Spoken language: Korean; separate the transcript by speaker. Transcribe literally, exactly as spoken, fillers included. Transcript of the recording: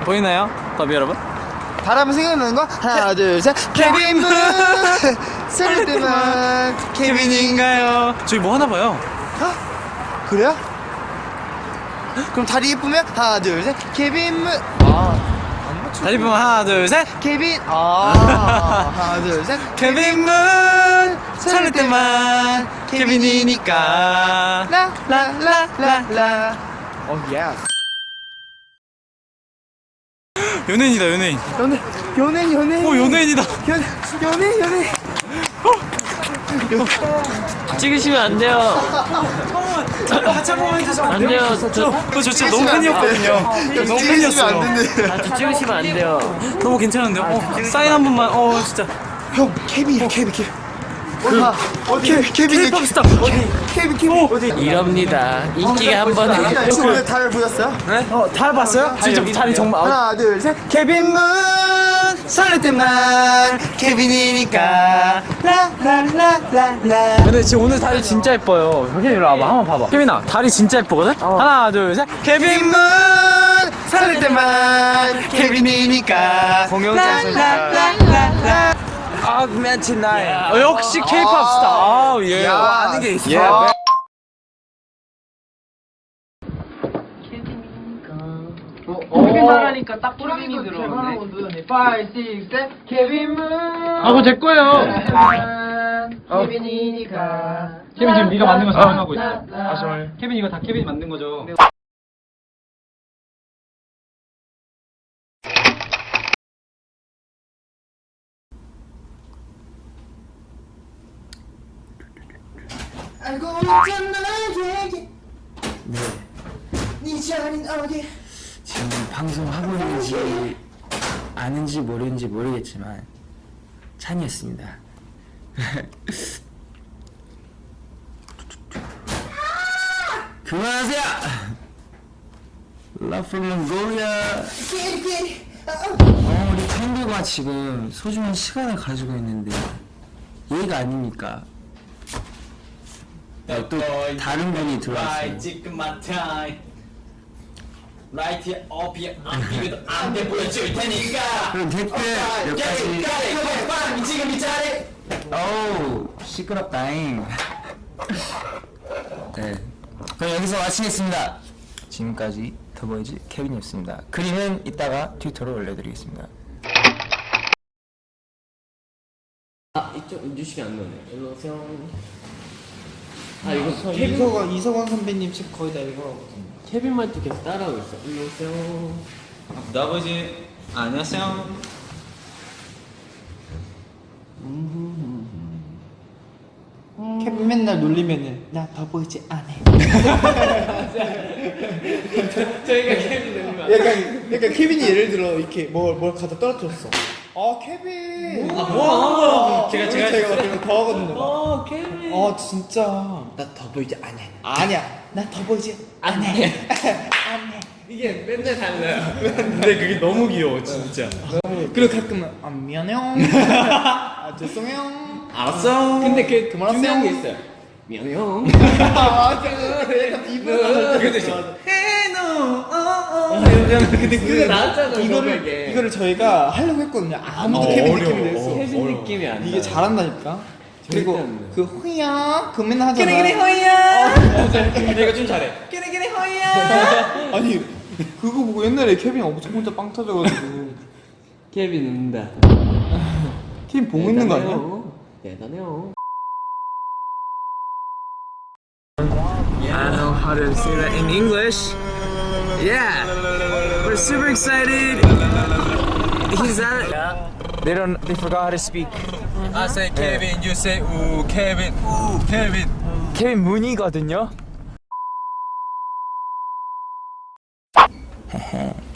Speaker 1: 보이나요? 더비 여러분?
Speaker 2: 바람 생각나는 거? 하나 둘 셋 케빈 문 쓸 때만
Speaker 1: 케빈인가요? 저희 뭐 하나 봐요.
Speaker 2: 어? 그래요? 그럼 다리 예쁘면 하나 둘 셋 케빈 문 아
Speaker 1: 다리 보면 하나 둘 셋
Speaker 2: 케빈 아 하나 둘 셋
Speaker 1: 케빈 문 설렐 때만 케빈이니까
Speaker 2: 라라라라라 어 예.
Speaker 1: 연예인이다 연예인.
Speaker 2: 연예 연예인 연예인
Speaker 1: 오 연예인이다.
Speaker 2: 연 연예인 연예인
Speaker 3: 찍으시면 안 돼요.
Speaker 1: 같이 한번 해주시면
Speaker 3: 안 돼요. 저,
Speaker 1: 저, 저 진짜 너무 팬이었거든요. 너무 팬이었어요.
Speaker 3: 같이 찍으시면 안 돼요.
Speaker 1: 너무 괜찮은데요? 어, 사인 한 번만. 어 진짜.
Speaker 2: 형 케빈이야 케빈 케빈 어디 어디 케빈
Speaker 1: K-pop 스타 어디?
Speaker 2: 케빈 케빈 어디
Speaker 3: 이럽니다. 인기가 한 번에.
Speaker 2: 혹시 오늘 달 보셨어요?
Speaker 1: 네? 어, 다 봤어요? 진짜 다리 정말.
Speaker 2: 하나 둘 셋 케빈 문 설렐 때만 케빈이니까 라라라라라
Speaker 1: 근데 지금 오늘 다리 진짜 예뻐요. 케빈 이리 와봐. 한번 봐봐. 케빈아 다리 진짜 예쁘거든? 하나 둘 셋. 케빈 문
Speaker 2: 설렐 때만 케빈이니까 공연장소니까
Speaker 1: 아그멘트 나인. 어, 역시 K-pop 스타. 아 예.
Speaker 2: 아는 게 있어.
Speaker 3: 케빈 말하니까 딱 케빈이 들어오네.
Speaker 2: 오, 육, 칠, 케빈 문
Speaker 1: 아 그거 제 거예요.
Speaker 2: 케빈이니까
Speaker 1: 케빈 지금 네가 만든 거 자랑하고 있어. 아 정말. 케빈 이거 다 케빈이 만든 거죠.
Speaker 2: 알고 있잖아 얘기 네. 네 자린 어디
Speaker 4: 지금 방송하고 있는지 아는지 모르는지 모르겠지만 찬이었습니다. 그만하세요! Love from Mongolia. 어, 우리 팬들과 지금 소중한 시간을 가지고 있는데 예의가 아닙니까? 네, 또 다른 분이 들어왔어요.
Speaker 1: 지금 마타임. 라이트 어피에 이것도 안돼 보여줄 테니까.
Speaker 4: 그럼 댓글 몇 가지.
Speaker 1: 지금 이 자리.
Speaker 4: 어우 시끄럽다잉. 네, 그럼 여기서 마치겠습니다. 지금까지 더보이즈 케빈이었습니다. 그림은 이따가 트위터로 올려드리겠습니다.
Speaker 3: 아 이쪽 유식이 안 나오네. 일로 오세요. 아 이거
Speaker 2: 이서광 이서광 선배님 책 거의 다 읽어봤거든요.
Speaker 3: 케빈 말도 계속 따라하고 있어. 일로 오세요.
Speaker 1: 아버지 안녕하세요.
Speaker 2: 케빈 맨날 놀리면은 나 더보이지 않아.
Speaker 3: 저희가 케빈 되는 거야.
Speaker 2: 약간 약간 케빈이 예를 들어 이렇게 뭘 뭘 갖다 떨어뜨렸어. 아 케빈.
Speaker 1: 뭐 하는 거야?
Speaker 2: 제가 제가 제가 제가 더 하거든요.
Speaker 3: 어 케빈.
Speaker 2: 아 진짜. 나 더보이지 않아. 아니야. 나 더보이지 않아.
Speaker 3: 이게 맨날 달라요.
Speaker 1: 근데 그게 너무 귀여워 진짜.
Speaker 2: 그리고 가끔은 아 미안해요. 아 죄송해요.
Speaker 1: 알았어.
Speaker 3: 근데 그
Speaker 2: 그만하세요.
Speaker 3: 중요한 게 있어요. 미안해요.
Speaker 2: 아 약간 이분
Speaker 1: 그래도 있어.
Speaker 2: 근데
Speaker 3: 그게 나왔잖아.
Speaker 2: 이거를
Speaker 3: 저번에.
Speaker 2: 이거를 저희가 하려고 했거든요. 아무도
Speaker 1: 어,
Speaker 2: 케빈
Speaker 1: 어려워.
Speaker 2: 느낌이 냈어.
Speaker 3: 케빈 느낌이 안 나.
Speaker 2: 이게 잘한다니까. 그리고
Speaker 3: 안 나.
Speaker 2: 그 호야 그 맨날 하잖아.
Speaker 1: 그래 그래 호야. 내가 좀 잘해. 그래 그래 호야.
Speaker 2: 아니 그거 보고 옛날에 케빈 엄청 혼자 빵 터져가지고
Speaker 3: 케빈 운다.
Speaker 2: 케빈 보고 있는 거 아니야?
Speaker 3: 대단해요.
Speaker 1: I know how to say that in English. Yeah, we're super excited. He's at. They don't. They forgot how to speak. I say Kevin, you say ooh Kevin, ooh Kevin. 케빈 문이거든요.